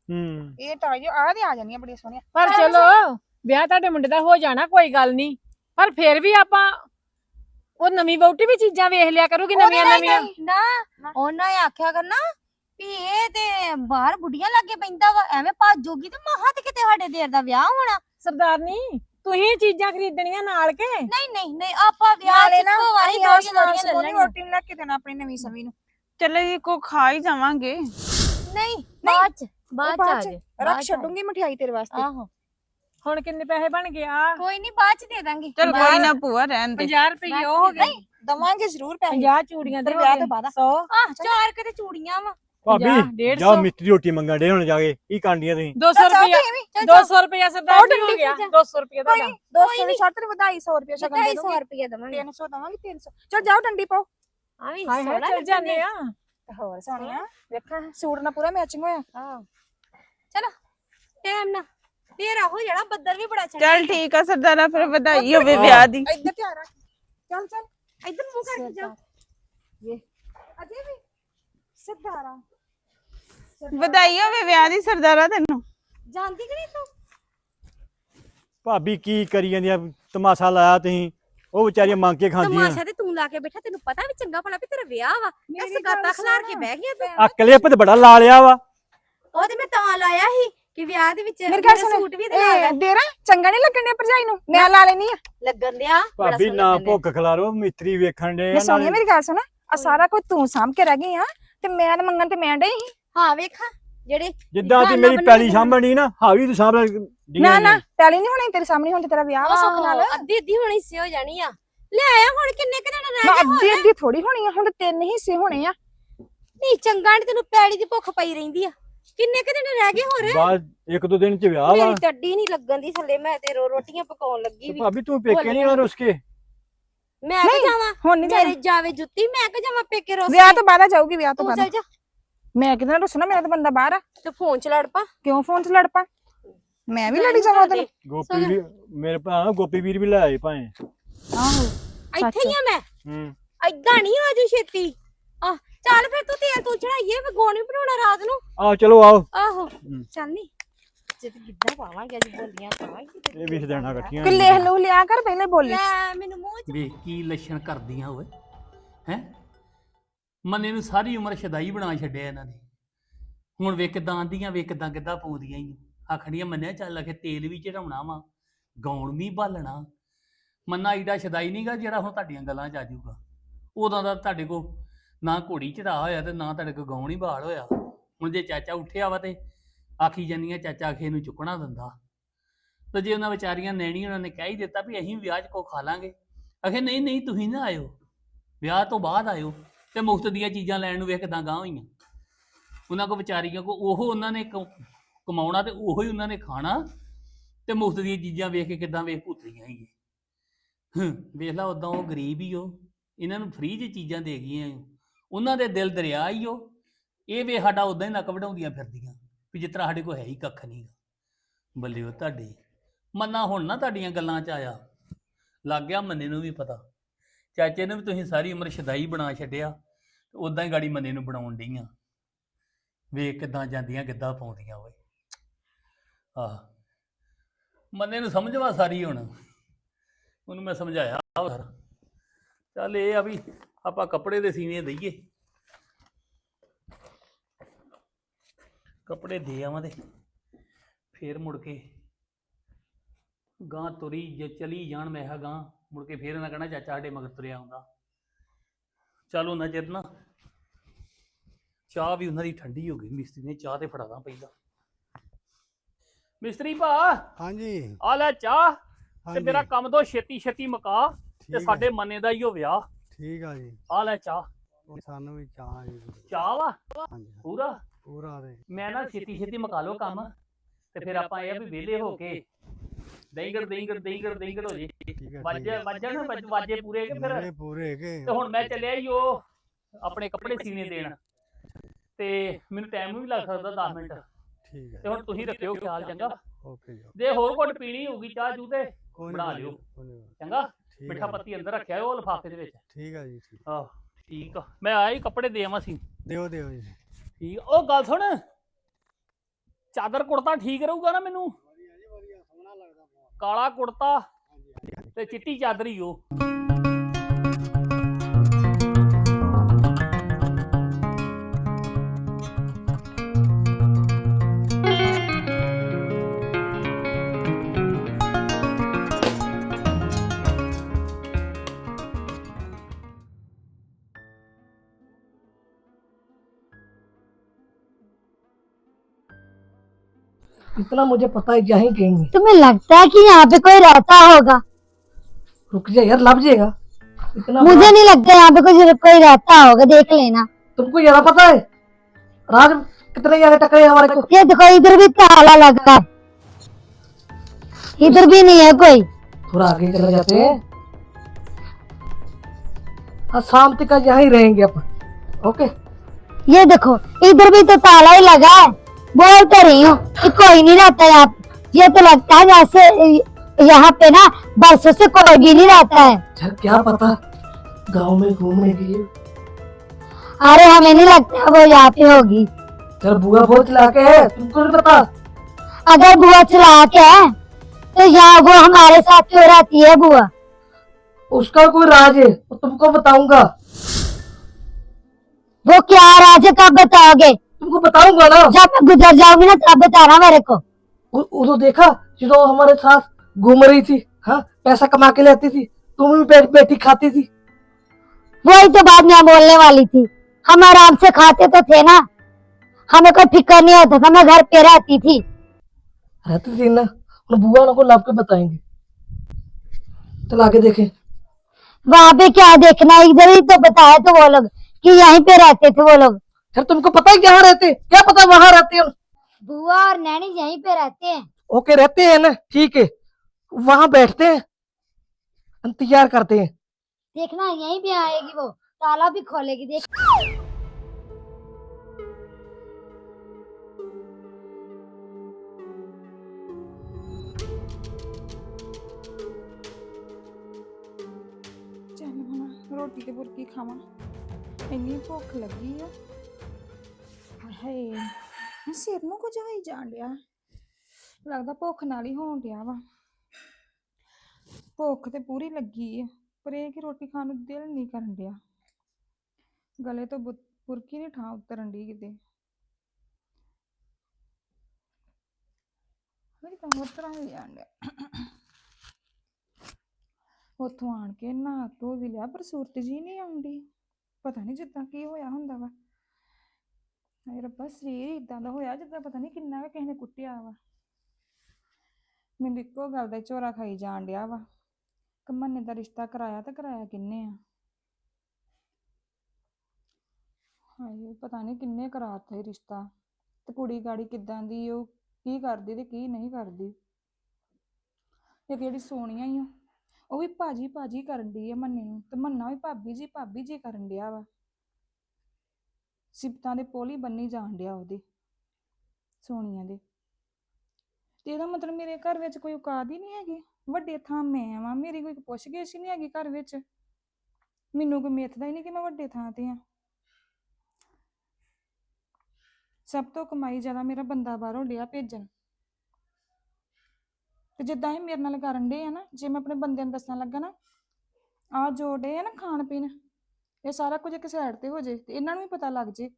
S3: ਹੂੰ
S5: ਇਹ ਤਾਂ ਜੋ ਆ ਤੇ ਆ ਜਾਣੀਆਂ ਬੜੀਆਂ ਸੋਹਣੀਆਂ।
S2: ਪਰ ਚਲੋ ਵਿਆਹ ਤੁਹਾਡੇ ਮੁੰਡੇ ਦਾ ਹੋ ਜਾਣਾ ਕੋਈ ਗੱਲ ਨਹੀਂ, ਪਰ ਫਿਰ ਵੀ ਆਪਾਂ ਉਹ ਨਵੀਂ ਵਹੁਟੀ ਵੀ ਚੀਜ਼ਾਂ ਵੇਖ ਲਿਆ ਕਰੂਗੀ ਨਵੀਆਂ ਨਵੀਆਂ।
S6: ਨਾ ਉਹਨਾਂ ਨੇ ਆਖਿਆ ਕਰਨਾ ਵੀ ਇਹ ਤੇ ਬਾਹਰ ਬੁੱਢੀਆਂ ਲੱਗੇ ਪੈਂਦਾ ਵਾ, ਐਵੇਂ ਭੱਜੂਗੀ ਤੇ ਮਹਾ ਤੇ ਕਿਤੇ ਸਾਡੇ ਦੇਰ ਦਾ ਵਿਆਹ ਹੋਣਾ।
S2: ਸਰਦਾਰਨੀ ਤੁਸੀਂ ਚੀਜ਼ਾਂ ਖਰੀਦਣੀਆਂ ਨਾਲ ਕੇ?
S6: ਨਹੀਂ ਨਹੀਂ ਨਹੀਂ ਆਪਾਂ ਵਿਆਹ
S5: ਨਾਲੇ
S6: ਚ
S5: ਨਾ
S6: ਇੱਕੋ ਵਾਰੀ
S5: ਅਸੀਂ ਆਹ
S6: ਦੋੜੀਆਂ
S5: ਸਮਾਨ
S6: ਦੋੜੀਆਂ ਲੈ
S5: ਸਮੂਨੀ
S6: ਲੈਣੀਆਂ।
S5: ਵੋਟੀ ਨੂੰ ਲੈ ਕੇ ਦੇਣਾ ਆਪਣੀ ਨਵੀਂ ਸਮੀ ਨੂੰ।
S4: ਚਲੋ ਜੀ ਕੋ ਖਾ ਹੀ ਜਾਵਾਂਗੇ।
S6: ਨਹੀਂ ਬਾਅਦ ਚ ਬਾਅਦ ਚ ਆ
S5: ਬਾਅਦ ਚ
S6: ਜੇ
S5: ਰੱਖ ਛੱਡੂੰਗੀ ਮਠਿਆਈ ਤੇਰੇ ਵਾਸਤੇ।
S6: ਆਹੋ
S2: ਹੁਣ ਕਿੰਨੇ ਪੈਸੇ ਬਣ ਗਏ ਆ?
S6: ਕੋਈ ਨਹੀਂ ਬਾਅਦ ਚ ਦੇ ਦਾਂਗੇ।
S4: ਚਲ ਕੋਈ ਨਾ ਭੂਆ ਰਹਿਣ ਦੇ।
S2: ਪੰਜਾਹ ਰੁਪਏ ਉਹ ਹੋ ਗਏ।
S5: ਦਵਾਂਗੇ ਜ਼ਰੂਰ ਪੈਸੇ।
S2: ਪੰਜਾਹ ਚੂੜੀਆਂ ਦੇ
S5: ਪਰ ਵਿਆਹ ਤੋਂ ਬਾਅਦ।
S2: ਸੌ
S6: ਆਹ ਚਾਰ ਕਿਤੇ ਚੂੜੀਆਂ ਵਾ।
S3: ਭਾਬੀ
S2: ਡੇਢ
S3: ਜਾ
S2: ਸੌ।
S3: ਮਿੱਤਰੀ ਰੋਟੀ ਮੰਗਣ ਡੇ ਹੁਣ ਜਾ ਕੇ ਕੀ ਕਾਂਡੀਆਂ ਤੁਸੀਂ?
S2: ਦੋ ਸੌ ਰੁਪਇਆ
S6: ਚੱਲ
S2: ਦੋ ਸੌ ਰੁਪਇਆ ਸਰਦਾਰਨੀ ਹੋ
S6: ਡੰਡੀ
S2: ਗਿਆ।
S6: ਖਿੱਚ।
S2: ਦੋ ਸੌ ਰੁਪਇਆ
S5: ਕੋਈ
S2: ਦਾ
S5: ਨਹੀਂ ਦੋ ਸੌ ਦੀ ਛੱਤ ਨੂੰ ਵਧਾਈ ਸੌ ਰੁਪਏ ਸ਼ਗਨ ਦੇ
S6: ਢਾਈ
S5: ਦੂੰਗੀ।
S6: ਸੌ ਰੁਪਏ ਦਵਾਂਗੇ।
S5: ਤਿੰਨ ਸੌ ਦਵਾਂਗੀ ਤਿੰਨ ਸੌ। ਚਲ ਜਾਓ ਡੰਡੀ ਪਾਓ।
S6: ਆ ਵੀ
S2: ਹਾਏ ਹਾਏ
S6: ਸੋਹਣਾ
S2: ਚੱਲ ਜਾਂਦੇ ਆ।
S5: ਹੋਰ ਸੋਹਣੀਆਂ ਵੇਖਾਂ ਸੂਟ ਨਾਲ ਪੂਰਾ ਮੈਚਿੰਗ ਹੋਇਆ।
S6: ਆਹ ਚਲੋ ਟਾਈਮ ਨਾ ਫੇਰ ਆਹੋ ਜਿਹੜਾ ਬੱਦਲ ਵੀ ਬੜਾ ਚੜਿਆ।
S4: ਚਲ ਠੀਕ ਆ ਸਰਦਾਰਾ, ਫਿਰ ਵਧਾਈ ਹੋਵੇ ਵਿਆਹ ਦੀ।
S5: ਇੱਧਰ ਧਿਆਨ ਰੱਖ। ਚੱਲ ਚੱਲ
S6: ਇੱਧਰ ਮੂੰਹ ਕਰਕੇ ਜਾ।
S5: ਅਜੇ ਵੀ ਸਿੱਧਾਰਾ।
S4: ਵਧਾਈ ਹੋਵੇ ਵਿਆਹ ਦੀ ਸਰਦਾਰਾ ਤੈਨੂੰ।
S6: ਜਾਂਦੀ ਕਿ ਨਹੀਂ ਤੂੰ?
S3: ਭਾਬੀ ਕੀ ਕਰੀ ਜਾਂਦੀਆਂ? ਤਮਾਸ਼ਾ ਲਾਇਆ ਤੁਸੀਂ, ਉਹ ਵਿਚਾਰੀਆਂ ਮੰਗ ਕੇ ਖਾਂਦੀਆਂ।
S6: ਤਮਾਸ਼ਾ ਤੇ ਤੂੰ ਲਾ ਕੇ ਬੈਠਾ, ਤੈਨੂੰ ਪਤਾ ਵੀ ਚੰਗਾ ਭਲਾ ਵੀ ਤੇਰਾ ਵਿਆਹ ਵਾ। ਇਹ ਸਗਾਤਾ ਖਲਾਰ ਕੇ ਬਹਿ ਗਿਆ ਤੂੰ।
S3: ਆ ਕਲਿੱਪ ਤੇ ਬੜਾ ਲਾ ਲਿਆ ਵਾ।
S6: ਉਹ ਤੇ ਮੈਂ ਤਾਂ ਲਾਇਆ ਸੀ ਕਿ ਵਿਆਹ ਦੇ ਵਿੱਚ
S5: ਮੇਰੇ ਗੱਲ ਸੁਣ।
S6: ਸੂਟ ਵੀ ਦੇ ਨਾਲ
S5: ਦੇਰਾ ਚੰਗਾ ਨਹੀਂ ਲੱਗਣ ਡਿਆ ਭਰਜਾਈ ਨੂੰ। ਮੈਂ ਲਾ ਲੈਣੀ ਆ।
S6: ਲੱਗਣ ਦਿਆ। ਬੜਾ
S3: ਭਾਬੀ
S6: ਸੋਹਣਾ
S3: ਨਾ
S6: ਲੱਗਣ ਡਿਆ।
S3: ਭੁੱਖ ਖਲਾਰੋ, ਮਿਸਤਰੀ ਵੇਖਣ ਦੇ।
S5: ਮੈਂ ਸੋਹਣੀਆ ਮੇਰੀ ਗੱਲ ਸੁਣ। ਆ ਸਾਰਾ ਕੁਝ ਤੂੰ ਸਾਂਭ ਕੇ ਰਹਿ ਗਈ ਆ ਤੇ ਮੈਂ ਤਾਂ ਮੰਗਣ ਤੇ ਮੈਂ ਡਈ ਸੀ।
S6: ਹਾਂ ਵੇਖਾਂ ਜਿਹੜੇ
S3: ਜਿੱਦਾਂ ਦੀ
S6: ਗਾਲਾਂ
S3: ਮੇਰੀ
S6: ਬਣਾਈ
S3: ਪੈਲੀ
S6: ਜਾਂਦੀਆਂ।
S3: ਸਾਂਭਣੀ ਨਾ, ਹਾਵੀ ਤੂੰ ਸਾਂਭ ਲੈ।
S5: ਨਾ ਨਾ ਪੈਲੀ ਨਹੀਂ ਹੋਣੀ ਤੇਰੇ ਸਾਹਮਣੇ। ਹੁਣ ਤੇ ਤੇਰਾ ਵਿਆਹ ਵਾ ਸੁੱਖ ਨਾਲ।
S6: ਆਹੋ, ਅੱਧੀ ਅੱਧੀ ਹੋਣੀ ਸੀ ਹੋ ਜਾਣੀ ਆ। ਲੈ ਆਇਆ ਹੁਣ ਕਿੰਨੇ ਕਿ ਦਿਨ ਰਹਿ
S5: ਨਾ
S6: ਗਏ
S5: ਅੱਧੀ
S6: ਹੋਰ?
S5: ਅੱਧੀ ਥੋੜੀ ਹੋਣੀ ਆ। ਹੁਣ ਤੇ ਤਿੰਨ ਹਿੱਸੇ ਹੋਣੇ ਆ।
S6: ਨਹੀਂ ਚੰਗਾ ਨੀ ਤੈਨੂੰ ਪੈੜੀ ਦੀ ਭੁੱਖ ਪਈ ਰਹਿੰਦੀ ਆ। ਕਿੰਨੇ ਕਿ ਦਿਨ ਰਹਿ ਗਏ ਹੋਰ?
S3: ਬਾਅਦ ਇੱਕ ਦੋ ਦਿਨ ਚ ਵਿਆਹ ਵਾ।
S6: ਮੇਰੀ ਟੱਡੀ ਨਹੀਂ ਲੱਗਣ ਦੀ ਥੱਲੇ। ਮੈਂ ਤੇ ਰੋ ਰੋਟੀਆਂ ਪਕਾਉਣ ਲੱਗੀ
S3: ਤੇ
S6: ਵੀ।
S3: ਭਾਬੀ ਤੂੰ ਪੇਕੇ ਨਹੀਂ ਆ ਰੁੱਸ ਕੇ?
S6: ਮੈਂ ਕਿ ਜਾਵਾਂ?
S5: ਹੁਣ ਨਹੀਂ
S6: ਮੇਰੇ
S5: ਜਾਣਾ।
S6: ਜਾਵੇ ਜੁੱਤੀ। ਮੈਂ ਕਿ ਜਾਵਾਂ ਪੇਕੇ ਰੋਸ
S5: ਵਿਆਹ ਤੋਂ ਬਾਅਦ ਜਾਊਗੀ। ਵਿਆਹ ਤੋਂ
S6: ਤੂੰ
S5: ਬਾਅਦ
S6: ਚੱਲ ਜਾ
S5: ਮੈਂ ਕਿਹਦੇ ਨਾਲ ਰੁੱਸਣਾ? ਮੇਰਾ ਤਾਂ ਬੰਦਾ ਬਾਹਰ ਆ।
S6: ਤੇ ਫੋਨ ਚ ਲੜ ਪਾ।
S5: ਕਿਉਂ ਫੋਨ 'ਚ ਲੜ ਪਾ? ਮੈਂ ਵੀ ਲੜੀ ਜਾਵਾਂ ਉਹਦੇ ਨਾਲ।
S3: ਗੋਪੀ ਵੀ ਮੇਰੇ ਭਰਾ ਗੋਪੀ ਵੀਰ ਵੀ ਲੈ ਆਏ ਭਾਵੇਂ।
S5: ਆਹੋ
S6: ਇੱਥੇ ਹੀ ਆ ਮੈਂ।
S3: ਹੂੰ
S6: ਏਦਾਂ ਨਹੀਂ ਆਜੂ ਛੇਤੀ। ਆਹ ਚੱਲ ਫਿਰ ਤੂੰ ਤੇਲ ਤੂੰ ਚੜਾਈਏ। ਮੈਂ ਗੋਣ ਵੀ ਬਣਾਉਣਾ ਰਾਤ ਨੂੰ।
S3: ਆਹ ਚਲੋ ਆਓ।
S6: ਆਹੋ ਚੱਲ ਨੀ ਜਿੱਦ ਗਿੱਧਾ ਪਾਵਾਂਗੇ ਅੱਜ। ਬੋਲੀਆਂ ਪਾਵਾਂਗੇ।
S3: ਇਹ ਵੀ ਸਦਣਾ ਇਕੱਠੀਆਂ।
S5: ਕੋਈ ਲੇਖ ਲੂ ਲਿਆ ਕਰ ਪਹਿਲੇ ਬੋਲੀ।
S6: ਲੈ ਮੈਨੂੰ ਮੂੰਹ ਚ
S1: ਵੇਖ ਕੀ ਲੱਛਣ ਕਰਦੀਆਂ ਓਏ ਹੈ। ਮੰਨੇ ਨੂੰ ਸਾਰੀ ਉਮਰ ਸ਼ਦਾਈ ਬਣਾ ਛੱਡਿਆ ਇਹਨਾਂ ਨੇ। ਹੁਣ ਵੇਖ ਕਿਦਾਂ ਆਂਦੀਆਂ, ਵੇਖ ਕਿਦਾਂ ਕਿੱਦਾਂ ਪਾਉਂਦੀਆਂ ਈ। ਆਖਣੀਆਂ ਮੰਨਿਆ ਚੱਲ ਅਖੇ ਤੇਲ ਵੀ ਚੜਾਉਣਾ ਵਾ, ਗਾਉਣ ਵੀ ਬਾਲਣਾ। ਮੰਨਾ ਈਡਾ ਸ਼ਦਾਈ ਨਹੀਂਗਾ ਜਿਹੜਾ ਹੁਣ ਤੁਹਾਡੀਆਂ ਗੱਲਾਂ 'ਚ ਆ ਜਾਊਗਾ। ਉਦੋਂ ਦਾ ਤੁਹਾਡੇ ਕੋਲ ਨਾ ਘੋੜੀ ਚੜਾ ਹੋਇਆ ਤੇ ਨਾ ਤੁਹਾਡੇ ਕੋਲ ਗਾਉਣ ਹੀ ਬਾਲ ਹੋਇਆ। ਹੁਣ ਜੇ ਚਾਚਾ ਉੱਠਿਆ ਵਾ ਤੇ ਆਖੀ ਜਾਂਦੀਆਂ ਚਾਚਾ ਅਖੇ ਨੂੰ ਚੁੱਕਣਾ ਦਿੰਦਾ। ਤੇ ਜੇ ਉਹਨਾਂ ਵਿਚਾਰੀਆਂ ਨੈਣੀ ਉਹਨਾਂ ਨੇ ਕਹਿ ਹੀ ਦਿੱਤਾ ਵੀ ਅਸੀਂ ਵਿਆਹ 'ਚ ਕੋ ਖਾ ਲਾਂਗੇ, ਅਖੇ ਨਹੀਂ ਨਹੀਂ ਤੁਸੀਂ ਨਾ ਆਇਓ, ਵਿਆਹ ਤੋਂ ਬਾਅਦ ਆਇਓ। ਤੇ ਮੁਫਤ ਦੀਆਂ ਚੀਜ਼ਾਂ ਲੈਣ ਨੂੰ ਵੇਖ ਕਿਦਾਂ ਗਾਂਹ ਹੋਈਆਂ। ਉਹਨਾਂ ਕੋ ਵਿਚਾਰੀਆਂ ਕੋ ਉਹ ਉਹਨਾਂ ਨੇ ਕਮਾਉਣਾ ਤੇ ਉਹੀ ਉਹਨਾਂ ਨੇ ਖਾਣਾ। ਤੇ ਮੁਫਤ ਦੀਆਂ ਚੀਜ਼ਾਂ ਵੇਖ ਕੇ ਕਿਦਾਂ ਵੇਖ ਭੁੱਤਰੀਆਂ ਹੀ ਵੇਖ ਲਾ। ਉਦਾਂ ਉਹ ਗਰੀਬ ਹੀ ਉਹ, ਇਹਨਾਂ ਨੂੰ ਫ੍ਰੀ 'ਚ ਚੀਜ਼ਾਂ ਦੇ ਗਈਆਂ। ਉਹਨਾਂ ਦੇ ਦਿਲ ਦਰਿਆ ਹੀ ਉਹ। ਇਹ ਵੇ ਸਾਡਾ ਉਦਾਂ ਹੀ ਨੱਕ ਵਢਾਉਂਦੀਆਂ ਫਿਰਦੀਆਂ ਵੀ ਜਿਸ ਤਰ੍ਹਾਂ ਸਾਡੇ ਕੋਲ ਹੈ ਹੀ ਕੱਖ ਨਹੀਂ। ਬੱਲੇ ਉਹ ਤੁਹਾਡੇ ਮੰਨਾ ਹੁਣ ਨਾ ਤੁਹਾਡੀਆਂ ਗੱਲਾਂ 'ਚ ਆਇਆ। ਲੱਗ ਗਿਆ ਮੰਨੇ ਨੂੰ ਵੀ ਪਤਾ। ਚਾਚੇ ਨੂੰ ਵੀ ਤੁਸੀਂ ਸਾਰੀ ਉਮਰ ਸ਼ਦਾਈ ਬਣਾ ਛੱਡਿਆ। ਉਦਾਂ ਹੀ ਗਾੜੀ ਮੰਨੇ ਨੂੰ ਬਣਾਉਣ ਡਈਆਂ। ਵੇਖ ਕਿੱਦਾਂ ਜਾਂਦੀਆਂ ਗਿੱਧਾ ਪਾਉਂਦੀਆਂ ਓਏ। ਆਹ ਮੰਨੇ ਨੂੰ ਸਮਝ ਵਾ ਸਾਰੀ। ਹੁਣ ਉਹਨੂੰ ਮੈਂ ਸਮਝਾਇਆ। ਚੱਲ ਇਹ ਆ ਵੀ ਆਪਾਂ ਕੱਪੜੇ ਦੇ ਸੀਨੇ ਦਈਏ। ਕੱਪੜੇ ਦੇ ਆਵਾਂ ਤੇ ਫੇਰ ਮੁੜ ਕੇ ਗਾਂ ਤੁਰੀ ਜੇ ਚਲੀ ਜਾਣ। ਮੈਂ ਕਿਹਾ ਗਾਂ ਮੁੜ ਕੇ ਫੇਰ ਇਹਨਾਂ ਕਹਿਣਾ ਚਾਚਾ ਸਾਡੇ ਮਗਰ ਤੁਰਿਆ ਆਉਂਦਾ। ਚੱਲ ਉਹਨਾਂ ਚਿਰ ਨਾ ਚਾਹ ਵੀ ਉਹਨਾਂ ਦੀ ਠੰਡੀ ਹੋ ਗਈ। ਮਿਸਤਰੀ ਨੇ ਚਾਹ ਤੇ ਫੜਾਦਾ ਪਹਿਲਾਂ। ਮਿਸਤਰੀ ਭਾ
S7: ਹਾਂਜੀ
S1: ਆ ਲੈ ਚਾਹ ਤੇ
S7: ਹਾਂਜੀ
S1: ਮੇਰਾ ਕੰਮ ਦੋ ਛੇਤੀ ਛੇਤੀ ਮੁਕਾ।
S7: ਠੀਕ
S1: ਤੇ
S7: ਆ।
S1: ਸਾਡੇ ਮੰਨੇ ਦਾ ਹੀ ਉਹ ਵਿਆਹ।
S7: ਠੀਕ ਆ ਜੀ।
S1: ਆ ਲੈ ਚਾਹ।
S7: ਉਹ ਸਾਨੂੰ ਵੀ ਚਾਹ ਜੀ।
S1: ਚਾਹ ਵਾ
S7: ਹਾਂਜੀ
S1: ਪੂਰਾ।
S7: ਪੂਰਾ ਦੇ
S1: ਮੈਂ ਨਾ ਛੇਤੀ ਛੇਤੀ ਮੁਕਾ ਲਓ ਕੰਮ ਤੇ ਫਿਰ ਆਪਾਂ ਇਹ ਆ ਵੀ ਵਿਹਲੇ ਹੋ ਕੇ ਦਹੀਂ ਗੜ ਦਹੀਂ ਗੜ ਦਹੀਂ ਗੜ ਦਹੀਂ ਗੜ ਹੋ ਜੇ।
S7: ਠੀਕ ਹੈ
S1: ਵਾਜੇ ਵਾਜਣ ਵਾਜੇ ਪੂਰੇ ਕੇ ਫਿਰ।
S7: ਪੂਰੇ ਪੂਰੇ ਕੇ
S1: ਤੇ ਹੁਣ ਮੈਂ ਚੱਲਿਆ ਹੀ ਉਹ ਆਪਣੇ ਕੱਪੜੇ ਸੀਨੇ ਦੇਣ। ਤੇ ਮੈਨੂੰ ਟਾਈਮ ਵੀ ਲੱਗ ਸਕਦਾ ਦਸ ਮਿੰਟ।
S7: ਠੀਕ
S1: ਤੇ
S7: ਹੈ
S1: ਹੁਣ ਤੁਸੀਂ ਰੱਖਿਓ ਖਿਆਲ ਚੰਗਾ।
S7: ਓਕੇ ਜੀ
S1: ਜੇ ਹੋਰ ਘੁੱਟ ਪੀਣੀ ਹੋਊਗੀ ਚਾਹ ਚੂ ਤੇ
S7: ਕੋਈ
S1: ਬਣਾ
S7: ਨਹੀਂ
S1: ਲਿਓ
S7: ਕੋਈ ਨਹੀਂ
S1: ਚੰਗਾ।
S7: ਠੀਕ
S1: ਮਿੱਠਾ
S7: ਆ
S1: ਪੱਤੀ ਅੰਦਰ ਰੱਖਿਆ ਉਹ ਲਿਫਾਫੇ ਦੇ ਵਿੱਚ।
S7: ਠੀਕ ਆ ਜੀ ਠੀਕ
S1: ਆਹ ਠੀਕ ਆ। ਮੈਂ ਆਇਆ ਹੀ ਕੱਪੜੇ ਦੇ ਆਵਾਂ ਸੀ।
S7: ਦਿਓ ਦਿਓ ਜੀ
S1: ਠੀਕ ਆ। ਉਹ ਗੱਲ ਸੁਣ ਚਾਦਰ ਕੁੜਤਾ ਠੀਕ ਰਹੂਗਾ ਨਾ ਮੈਨੂੰ? ਕਾਲਾ ਕੁੜਤਾ ਤੇ ਚਿੱਟੀ ਚਾਦਰੀ ਉਹ।
S8: इतना मुझे पता है यहीं कहेंगे।
S9: तुम्हें लगता है कि यहाँ पे कोई रहता होगा?
S8: रुक जा यार, लग जाएगा इतना।
S9: मुझे नहीं लगता यहाँ पे कोई कोई रहता होगा, देख लेना।
S8: तुमको ज्यादा पता है राज कितने ज्यादा टकरे हमारे को।
S9: ये देखो इधर भी ताला लगा है, इधर भी नहीं है कोई।
S8: थोड़ा आगे चले जाते हैं, आज शाम तक यहीं रहेंगे अपन। ओके
S9: ये देखो इधर भी तो ताला ही लगा है। बोल तो रही हूँ कि कोई नहीं रहता यहाँ पे। ये तो लगता है जैसे यहाँ पे ना बरसों से कोई भी नहीं रहता है।
S8: यार क्या पता गांव में घूमने की।
S9: अरे हमें नहीं लगता वो यहाँ पे होगी।
S8: यार बुआ बहुत लाके है, तुमको नहीं पता?
S9: अगर बुआ चला के है तो यहाँ वो हमारे साथ क्यों रहती है बुआ?
S8: उसका कोई राज है, वो तुमको बताऊंगा।
S9: वो क्या राज है, कब बताओगे?
S8: तुमको बताऊंगा ना
S9: जब मैं गुजर जाऊंगी ना तब बताना मेरे को।
S8: वो वो तो देखा जो हमारे साथ घूम रही थी, हाँ पैसा कमा के लाती थी, तुम भी बैठ बैठी खाती थी।
S9: वही तो बात मैं बोलने वाली थी, हम आराम से खाते तो थे ना, हमें कोई फिक्र नहीं होता था, मैं घर पे रहती थी।
S8: रहती थी ना, उन बुआ को लाभ के बताएंगे। चल आगे देखें।
S9: वहाँ पे क्या देखना है, इधर ही तो बताया तो वो लोग कि यहीं पे रहते थे वो लोग।
S8: यार तुमको पता है यहाँ रहते, क्या पता वहां रहते हैं?
S9: बुआ और नैनी यहीं पे रहते हैं।
S8: ओके रहते हैं ना, ठीक है, वहां बैठते हैं, इंतजार करते हैं।
S9: देखना यहीं पे आएगी वो, ताला भी खोलेगी, देख।
S5: ਚੱਲ ਹੁਣ ਰੋਟੀ ਤੇ ਬੁਰਕੀ ਖਾਵਾਂ, ਇੰਨੀ ਭੁੱਖ ਲੱਗੀ ਆ। ਹਾਏ ਮੈਂ ਸਿਰ ਨੂੰ ਕੁਝ ਹੋਈ ਜਾਣ ਡਿਆ, ਲੱਗਦਾ ਭੁੱਖ ਨਾਲ ਹੀ ਹੋਣ ਡਿਆ ਵਾ। ਭੁੱਖ ਤੇ ਪੂਰੀ ਲੱਗੀ ਆ, ਪਰ ਇਹ ਕਿ ਰੋਟੀ ਖਾਣ ਨੂੰ ਦਿਲ ਨਹੀਂ ਕਰਨ ਡਿਆ। ਗਲੇ ਤੋਂ ਬੁ- ਬੁਰਕੀ ਨਹੀਂ ਠਾਂ ਉਤਰਨ ਡਈ ਕਿਤੇ। ਮੇਰੀ ਤਾਂ ਹੋਰ ਤਰ੍ਹਾਂ ਹੀ ਜਾਣ ਡਿਆ। ਉੱਥੋਂ ਆਣ ਕੇ ਨਹਾ ਧੋ ਵੀ ਲਿਆ, ਪਰ ਸੂਰਤ ਜੀ ਨਹੀਂ ਆਉਂਦੀ, ਪਤਾ ਨਹੀਂ ਜਿੱਦਾਂ ਕੀ ਹੋਇਆ ਹੁੰਦਾ ਵਾ। ਹਾਏ ਰੱਬਾ, ਸਰੀਰ ਇਦਾਂ ਦਾ ਹੋਇਆ ਜਿੱਦਾਂ ਪਤਾ ਨਹੀਂ ਕਿੰਨਾ ਕੁ ਕਿਸੇ ਨੇ ਕੁੱਟਿਆ ਵਾ। ਮੈਨੂੰ ਇੱਕੋ ਗੱਲ ਦਾ ਹੀ ਝੋਰਾ ਖਾਈ ਜਾਣ ਡਿਆ ਵਾ ਕਿ ਮੰਨੇ ਦਾ ਰਿਸ਼ਤਾ ਕਰਾਇਆ ਤੇ ਕਰਾਇਆ ਕਿੰਨੇ ਆ। ਹਾਏ ਪਤਾ ਨਹੀਂ ਕਿੰਨੇ ਕਰਾਤਾ ਇਹ ਰਿਸ਼ਤਾ, ਤੇ ਕੁੜੀ ਗਾੜੀ ਕਿੱਦਾਂ ਦੀ, ਉਹ ਕੀ ਕਰਦੀ ਤੇ ਕੀ ਨਹੀਂ ਕਰਦੀ। ਇੱਕ ਜਿਹੜੀ ਸੋਹਣੀਆਂ ਹੀ ਆ, ਉਹ ਵੀ ਭਾਜੀ ਭਾਜੀ ਕਰਨ ਡਈ ਆ ਮੰਨੇ ਨੂੰ, ਤੇ ਮੰਨਾ ਵੀ ਭਾਬੀ ਜੀ ਭਾਬੀ ਜੀ ਕਰਨ ਡਿਆ ਵਾ। ਸਿਫਤਾਂ ਦੇ ਪੁੱਲ ਹੀ ਬੰਨੀ ਜਾਣ ਡਿਆ ਉਹਦੇ ਸੋਹਣੀਆਂ ਦੇ। ਤੇ ਇਹਦਾ ਮਤਲਬ ਮੇਰੇ ਘਰ ਵਿੱਚ ਕੋਈ ਔਕਾਤ ਹੀ ਨਹੀਂ ਹੈਗੀ। ਵੱਡੇ ਥਾਂ ਮੈਂ ਵਾਂ, ਮੇਰੀ ਕੋਈ ਪੁੱਛ ਗਿੱਛ ਹੀ ਨਹੀਂ ਹੈਗੀ ਘਰ ਵਿੱਚ। ਮੈਨੂੰ ਕੋਈ ਮਿੱਥਦਾ ਹੀ ਨਹੀਂ ਕਿ ਮੈਂ ਵੱਡੇ ਥਾਂ ਤੇ ਆ। ਸਭ ਤੋਂ ਕਮਾਈ ਜ਼ਿਆਦਾ ਮੇਰਾ ਬੰਦਾ ਬਾਹਰੋਂ ਡਿਆ ਭੇਜਣ। ਤੇ ਜਿੱਦਾਂ ਇਹ ਮੇਰੇ ਨਾਲ ਕਰਨ ਡੇ ਆ ਨਾ, ਜੇ ਮੈਂ ਆਪਣੇ ਬੰਦਿਆਂ ਨੂੰ ਦੱਸਣ ਲੱਗਾ ਨਾ ਆਹ ਜੋ ਡੇ ਆ ਨਾ ਖਾਣ ਪੀਣ, ਇਹ ਸਾਰਾ ਕੁਝ ਇੱਕ ਸਾਈਡ ਤੇ ਹੋ ਜੇ ਤੇ ਇਹਨਾਂ ਨੂੰ ਵੀ ਪਤਾ ਲੱਗ ਜੇ।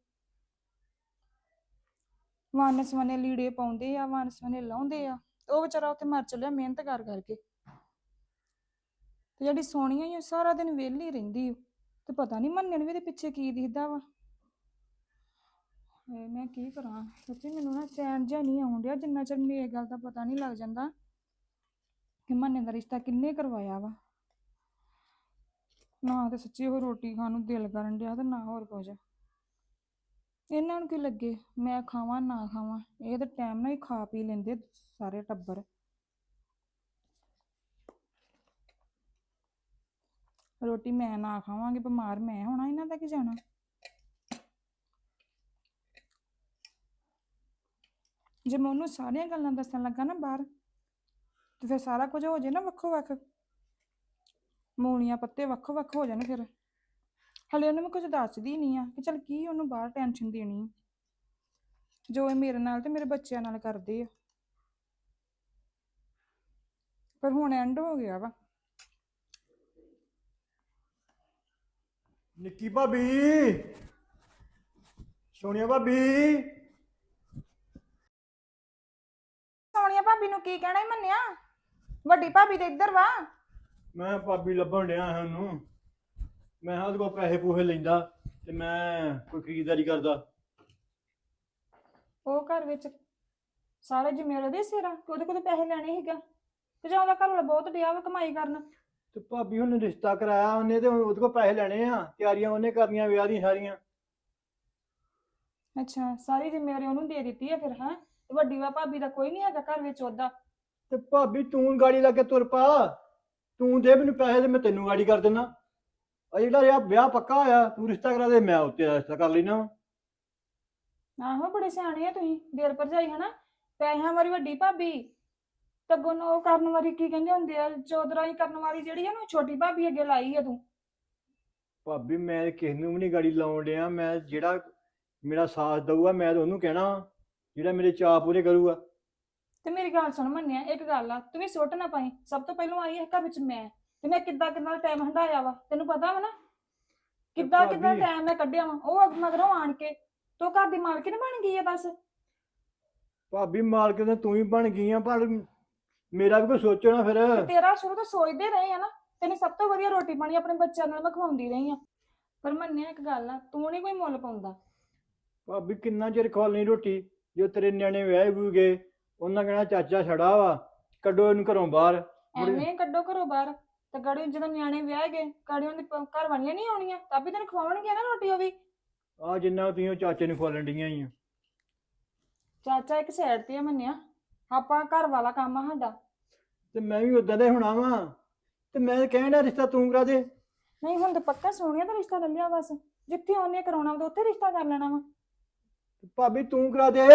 S5: ਵੰਨ ਸਵੰਨੇ ਲੀੜੇ ਪਾਉਂਦੇ ਆ, ਵੰਨ ਸਵੰਨੇ ਲਾਉਂਦੇ ਆ, ਤੇ ਉਹ ਵਿਚਾਰਾ ਉੱਥੇ ਮਰ ਚੱਲਿਆ ਮਿਹਨਤ ਕਰ ਕਰਕੇ। ਤੇ ਜਿਹੜੀ ਸੋਹਣੀਆਂ ਹੀ ਉਹ ਸਾਰਾ ਦਿਨ ਵਿਹਲੀ ਰਹਿੰਦੀ, ਤੇ ਪਤਾ ਨਹੀਂ ਮੰਨਣ ਵੀ ਇਹਦੇ ਪਿੱਛੇ ਕੀ ਦਿਖਦਾ ਵਾ। ਹਾਏ ਮੈਂ ਕੀ ਕਰਾਂ ਸੱਚੀ, ਮੈਨੂੰ ਨਾ ਚੈਨ ਜਿਹਾ ਨਹੀਂ ਆਉਣ ਡਿਆ ਜਿੰਨਾ ਚਿਰ ਮੈਨੂੰ ਇਹ ਗੱਲ ਦਾ ਪਤਾ ਨਹੀਂ ਲੱਗ ਜਾਂਦਾ ਕਿ ਮੰਨੇ ਦਾ ਰਿਸ਼ਤਾ ਕਿੰਨੇ ਕਰਵਾਇਆ ਵਾ। ਨਾ ਤੇ ਸੱਚੀ ਉਹ ਰੋਟੀ ਖਾਣ ਨੂੰ ਦਿਲ ਕਰਨ ਡਿਆ ਤੇ ਨਾ ਹੋਰ ਕੁਝ। ਇਹਨਾਂ ਨੂੰ ਕੀ ਲੱਗੇ ਮੈਂ ਖਾਵਾਂ ਨਾ ਖਾਵਾਂ, ਇਹ ਤਾਂ ਟਾਈਮ ਨਾਲ ਹੀ ਖਾ ਪੀ ਲੈਂਦੇ ਸਾਰੇ ਟੱਬਰ। ਰੋਟੀ ਮੈਂ ਨਾ ਖਾਵਾਂਗੇ, ਬਿਮਾਰ ਮੈਂ ਹੋਣਾ, ਇਹਨਾਂ ਦਾ ਕੀ ਜਾਣਾ। ਜੇ ਮੈਂ ਉਹਨੂੰ ਸਾਰੀਆਂ ਗੱਲਾਂ ਦੱਸਣ ਲੱਗਾ ਨਾ ਬਾਹਰ, ਤੇ ਫਿਰ ਸਾਰਾ ਕੁਝ ਹੋ ਜਾਏ ਨਾ ਵੱਖੋ ਵੱਖ, ਮੂਲੀਆਂ ਪੱਤੇ ਵੱਖੋ ਵੱਖ ਹੋ ਜਾਣ। ਫਿਰ ਹਲੇ ਉਹਨੂੰ ਮੈਂ ਕੁਝ ਦੱਸਦੀ ਨਹੀਂ ਆ ਕਿ ਚੱਲ ਕੀ ਉਹਨੂੰ ਬਾਹਰ ਟੈਨਸ਼ਨ ਦੇਣੀ। ਜੋ ਇਹ ਮੇਰੇ ਨਾਲ ਤੇ ਮੇਰੇ ਬੱਚਿਆਂ ਨਾਲ ਕਰਦੇ ਆ। ਪਰ ਹੁਣ ਐਂਡ ਹੋ ਗਿਆ ਵਾ।
S3: ਨਿੱਕੀ ਭਾਬੀ, ਸੋਨੀਆ ਭਾਬੀ,
S5: ਸੋਨੀਆ ਭਾਬੀ ਨੂੰ ਕੀ ਕਹਿਣਾ ਈ ਮੰਨਿਆ? ਵੱਡੀ ਭਾਬੀ ਤੇ ਇੱਧਰ ਵਾ।
S3: ਮੈਂ ਭਾਬੀ ਲੱਭਣ ਡਿਆ ਹਾਂ ਉਹਨੂੰ। ਮੈਂ ਹਾਂ ਉਹਦੇ ਕੋਲ ਪੈਸੇ ਪੂਸੇ ਲੈਂਦਾ ਤੇ ਮੈਂ ਕੋਈ ਖਰੀਦਦਾਰੀ ਕਰਦਾ।
S5: ਉਹ ਘਰ ਵਿੱਚ ਸਾਰੇ ਜ਼ਿੰਮੇਵਾਰ ਉਹਦੇ ਸਿਰ ਆ ਕਿ ਉਹਦੇ ਕੋਲ ਤਾਂ ਪੈਸੇ ਲੈਣੇ ਸੀਗਾ ਤੇ ਜਾਂ ਉਹਦਾ ਘਰ ਵਾਲਾ ਬਹੁਤ ਡਿਆ ਵਾ ਕਮਾਈ ਕਰਨ।
S3: ਤੇ ਭਾਬੀ ਉਹਨੇ ਰਿਸ਼ਤਾ ਕਰਾਇਆ ਉਹਨੇ ਤੇ ਹੁਣ ਉਹਦੇ ਕੋਲ ਪੈਸੇ ਲੈਣੇ ਆ, ਤਿਆਰੀਆਂ ਉਹਨੇ ਕਰਨੀਆਂ ਵਿਆਹ ਦੀਆਂ ਸਾਰੀਆਂ।
S5: ਅੱਛਾ, ਸਾਰੀ ਜ਼ਿੰਮੇਵਾਰੀ ਉਹਨੂੰ ਦੇ ਦਿੱਤੀ ਆ ਫਿਰ। ਹਾਂ, ਤੇ ਵੱਡੀ ਵਾ ਭਾਬੀ ਦਾ ਕੋਈ ਨਹੀਂ ਹੈਗਾ ਘਰ ਵਿੱਚ ਉਹਦਾ।
S3: ਤੇ ਭਾਬੀ ਤੂੰ ਗਾੜੀ ਲਾ ਕੇ ਤੁਰ ਪਾ, ਤੂੰ ਦੇ ਮੈਨੂੰ ਪੈਸੇ ਤੇ ਮੈਂ ਤੈਨੂੰ ਗਾੜੀ ਕਰ ਦੇਣਾ। ਆ ਜਿਹੜਾ ਯਾਰ ਵਿਆਹ ਪੱਕਾ ਹੋਇਆ, ਤੂੰ ਰਿਸ਼ਤਾ ਕਰਾ ਦੇ, ਮੈਂ ਉੱਤੇ ਰਿਸ਼ਤਾ ਕਰ ਲੈਣਾ।
S5: ਆਹੋ, ਬੜੇ ਸਿਆਣੇ ਆ ਤੁਸੀਂ ਦੇਰ ਭਰਜਾਈ ਹਨਾ। ਪੈਸਿਆਂ ਵਾਲੀ ਵੱਡੀ ਭਾਬੀ ਤੇ ਅੱਗੋਂ ਉਹ ਕਰਨ ਵਾਲੀ ਕੀ ਕਹਿੰਦੇ ਹੁੰਦੇ ਆ, ਚੌਧਰਾਈ ਕਰਨ ਵਾਲੀ ਜਿਹੜੀ ਆ ਨਾ, ਛੋਟੀ ਭਾਬੀ ਅੱਗੇ ਲਾਈ ਆ ਤੂੰ।
S3: ਭਾਬੀ ਮੈਂ ਕਿਸੇ ਨੂੰ ਵੀ ਨਹੀਂ ਗਾੜੀ ਲਾਉਣ ਡਿਆ। ਮੈਂ ਜਿਹੜਾ ਮੇਰਾ ਸਾਥ ਦਊਗਾ ਮੈਂ ਤਾਂ ਉਹਨੂੰ ਕਹਿਣਾ, ਜਿਹੜਾ ਮੇਰੇ ਚਾਅ ਪੂਰੇ ਕਰੂਗਾ।
S5: ਤੇ ਮੇਰੀ ਗੱਲ ਸੁਣ ਮੰਨਿਆ, ਇੱਕ ਗੱਲ ਆ, ਤੂੰ ਵੀ ਸੁੱਟ ਨਾ ਪਾਈ। ਸਭ ਤੋਂ ਪਹਿਲਾਂ ਆਈ ਹੈ ਘਰ ਵਿੱਚ ਮੈਂ, ਤੇ ਮੈਂ ਕਿੱਦਾਂ ਕਿੱਦਾਂ ਟਾਈਮ ਹੰਡਾਇਆ ਵਾ ਤੈਨੂੰ ਪਤਾ ਵਾ ਨਾ। ਕਿੱਦਾਂ ਕਿੱਦਾਂ
S3: ਭਾਬੀ-
S5: ਟਾਈਮ ਮੈਂ ਕੱਢਿਆ ਵਾ। ਉਹ ਮਗਰੋਂ ਆਣ ਕੇ ਤੂੰ ਘਰ ਦੀ ਮਾਲਕਿਨ ਬਣ ਗਈ ਆ ਬਸ।
S3: ਭਾਬੀ ਮਾਲਕ ਤਾਂ ਤੂੰ ਹੀ ਬਣ ਗਈ ਆ, ਪਰ ਮੇਰਾ ਵੀ ਕੋਈ ਸੋਚੋ ਨਾ ਫਿਰ।
S5: ਤੇ ਤੇਰਾ ਸ਼ੁਰੂ ਤੋਂ ਸੋਚਦੇ ਰਹੇ ਆ ਨਾ, ਤੈਨੂੰ ਸਭ ਤੋਂ ਵਧੀਆ ਰੋਟੀ ਪਾਣੀ ਆਪਣੇ ਬੱਚਿਆਂ ਨਾਲ ਮੈਂ ਖਵਾਉਂਦੀ ਰਹੀ ਆ। ਪਰ ਮੰਨਿਆ ਇੱਕ ਗੱਲ ਆ, ਤੂੰ ਨਹੀਂ ਕੋਈ ਮੁੱਲ ਪਾਉਂਦਾ।
S3: ਭਾਬੀ ਕਿੰਨਾ ਚਿਰ ਖਵਾਲਣੀ ਰੋਟੀ? ਜੋ ਤੇਰੇ ਨਿਆਣੇ ਵਿਆਹੇ ਵੂ ਗਏ, ਉਹਨਾਂ ਕਹਿਣਾ ਚਾਚਾ ਛੜਾ ਵਾ, ਕੱਢੋ ਇਹਨੂੰ ਘਰੋਂ ਬਾਹਰ।
S5: ਐਵੇਂ ਕੱਢੋ ਘਰੋਂ ਬਾਹਰ ਤੇ ਗੜੀ ਜਦੋਂ ਨਿਆਣੇ ਵਿਆਹ ਗਏ, ਗਾੜੀਆਂ ਦੇ ਘਰ ਵਾਲੀਆਂ ਨਹੀਂ ਆਉਣੀਆਂ ਤਾਂ ਵੀ ਤੈਨੂੰ ਖਵਾਉਣਗੇ ਨਾ ਰੋਟੀ। ਉਹ ਵੀ
S3: ਆ ਜਿੰਨਾ ਤੁਸੀਂ ਉਹ ਚਾਚੇ ਨੂੰ ਖਵਾਲਣ ਡੀਆਂ ਹੀ ਆ।
S5: ਚਾਚਾ ਇੱਕ ਸਾਈਡ ਤੇ ਆ ਮੰਨਿਆ, ਆਪਾਂ ਘਰ ਵਾਲਾ ਕੰਮ ਆ ਸਾਡਾ।
S3: ਤੇ ਮੈਂ ਵੀ ਉਦਾਂ ਦਾ ਹੀ ਹੋਣਾ ਵਾ, ਤੇ ਮੈਂ ਕਹਿਣਾ ਰਿਸ਼ਤਾ ਤੂੰ ਕਰਾ ਦੇ।
S5: ਨਹੀਂ ਹੁਣ ਤਾਂ ਪੱਕਾ ਸੋਹਣਿਆ ਦਾ ਰਿਸ਼ਤਾ ਲੈ ਲਿਆ ਬਸ। ਜਿੱਥੇ ਉਹਨੇ ਕਰਾਉਣਾ ਵਾ ਉੱਥੇ ਰਿਸ਼ਤਾ ਕਰ ਲੈਣਾ ਵਾ।
S3: ਭਾਬੀ ਤੂੰ ਕਰਾ ਦੇ।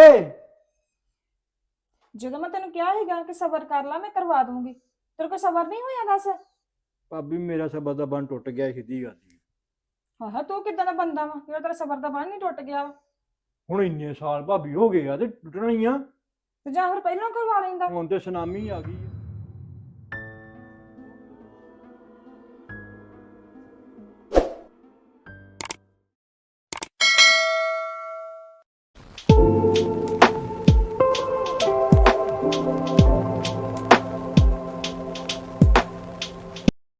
S5: ਜਦੋਂ ਮੈਂ ਤੈਨੂੰ ਕਿਹਾ ਸੀਗਾ ਕਿ ਸਬਰ ਕਰ ਲਾ, ਮੈਂ ਕਰਵਾ ਦੂੰਗੀ, ਤੇਰੇ ਕੋਲ ਸਬਰ ਨਹੀਂ ਹੋਇਆ ਦੱਸ।
S3: ਭਾਬੀ ਮੇਰਾ ਸਬਰ ਦਾ ਬੰਨ ਟੁੱਟ ਗਿਆ, ਸਿੱਧੀ ਗੱਲ ਈ।
S5: ਹਾਂ, ਤੂੰ ਕਿੱਦਾਂ ਦਾ ਬੰਦਾ ਵਾ ਜਿਹੜਾ ਤੇਰਾ ਸਬਰ ਦਾ ਬੰਨ ਨਹੀਂ ਟੁੱਟ ਗਿਆ ਵਾ?
S3: ਹੁਣ ਇੰਨੇ ਸਾਲ ਭਾਬੀ ਹੋ ਗਏ ਆ ਤੇ ਟੁੱਟਣਾ ਹੀ ਆ।
S5: ਤੇ ਜਾਂ ਫਿਰ ਪਹਿਲਾਂ ਕਰਵਾ ਲੈਂਦਾ।
S3: ਹੁਣ ਤੇ ਸੁਨਾਮੀ ਆ ਗਈ ਆ।